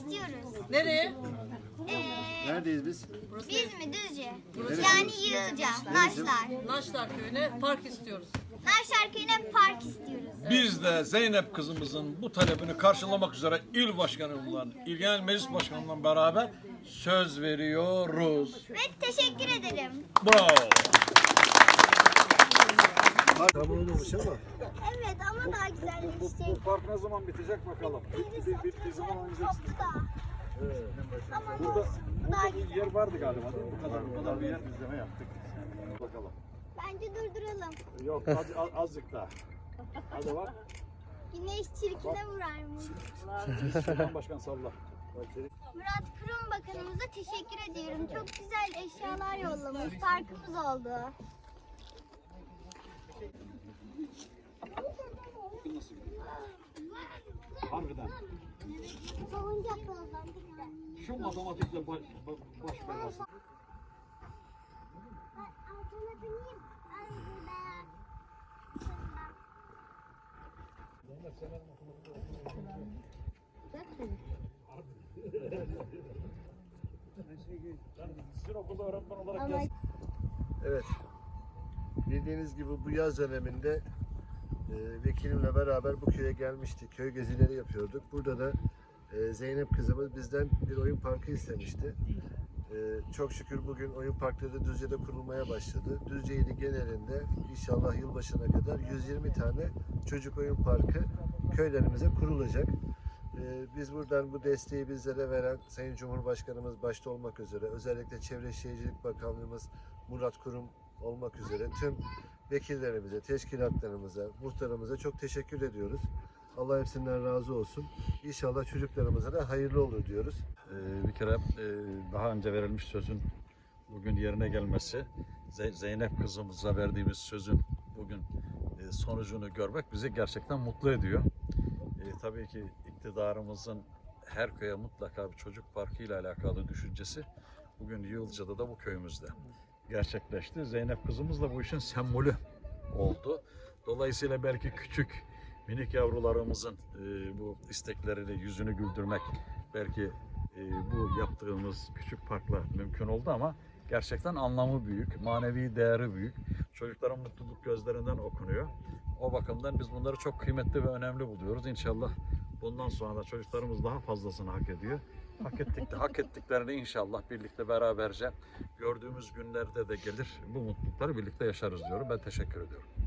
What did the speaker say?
istiyoruz. Nereye? Neredeyiz biz? Biz mi Düzce? Yani Yığılca, Naşlar. Naşlar Köyü'ne park istiyoruz. Naşlar Köyü'ne park istiyoruz. Biz de Zeynep kızımızın bu talebini karşılamak üzere il başkanımla, il genel meclis başkanımla beraber söz veriyoruz. Ve teşekkür ederim. Bravo. Tamam olmuş ama. Evet ama daha güzelleşecek. park ne zaman bitecek bakalım? Bittiği zaman oynayacaksın. Ama Burada daha bir yer vardı galiba değil mi? Bu kadar bir yer izleme yaptık. Bakalım. bence durduralım. Yok azıcık daha. Hadi bak. Güneş çirkine vurarmış. Şuradan başkan salla. Murat Kurum Bakanımıza teşekkür ediyorum. Çok güzel eşyalar yollamış. Parkımız oldu. Harbiden. Salıncaklardan. Şu matematikle baş belası. Altına bineyim. Sizin okulda öğretmen olarak gel. Evet. Bildiğiniz gibi bu yaz döneminde vekilimle beraber bu köye gelmiştik. Köy gezileri yapıyorduk. Burada da Zeynep kızımız bizden bir oyun parkı istemişti. Çok şükür bugün oyun parkları Düzce'de kurulmaya başladı. Düzce ili genelinde inşallah yılbaşına kadar 120 tane çocuk oyun parkı köylerimize kurulacak. Biz buradan bu desteği bizlere veren Sayın Cumhurbaşkanımız başta olmak üzere, özellikle Çevre Şehircilik Bakanlığımız Murat Kurum olmak üzere tüm vekillerimize, teşkilatlarımıza, muhtarımıza çok teşekkür ediyoruz. Allah hepsinden razı olsun. İnşallah çocuklarımıza da hayırlı olur diyoruz. Bir kere daha önce verilmiş sözün bugün yerine gelmesi, Zeynep kızımıza verdiğimiz sözün bugün sonucunu görmek bizi gerçekten mutlu ediyor. Tabii ki iktidarımızın her köye mutlaka bir çocuk parkı ile alakalı düşüncesi bugün Yığılca'da da bu köyümüzde gerçekleşti. Zeynep kızımız da bu işin sembolü oldu. Dolayısıyla belki küçük minik yavrularımızın bu isteklerini, yüzünü güldürmek belki bu yaptığımız küçük parkla mümkün oldu ama gerçekten anlamı büyük, manevi değeri büyük. Çocukların mutluluk gözlerinden okunuyor. O bakımdan biz bunları çok kıymetli ve önemli buluyoruz. İnşallah bundan sonra da çocuklarımız daha fazlasını hak ediyor. Hak ettiklerini inşallah birlikte beraberce gördüğümüz günlerde de gelir. Bu mutlulukları birlikte yaşarız diyorum. Ben teşekkür ediyorum.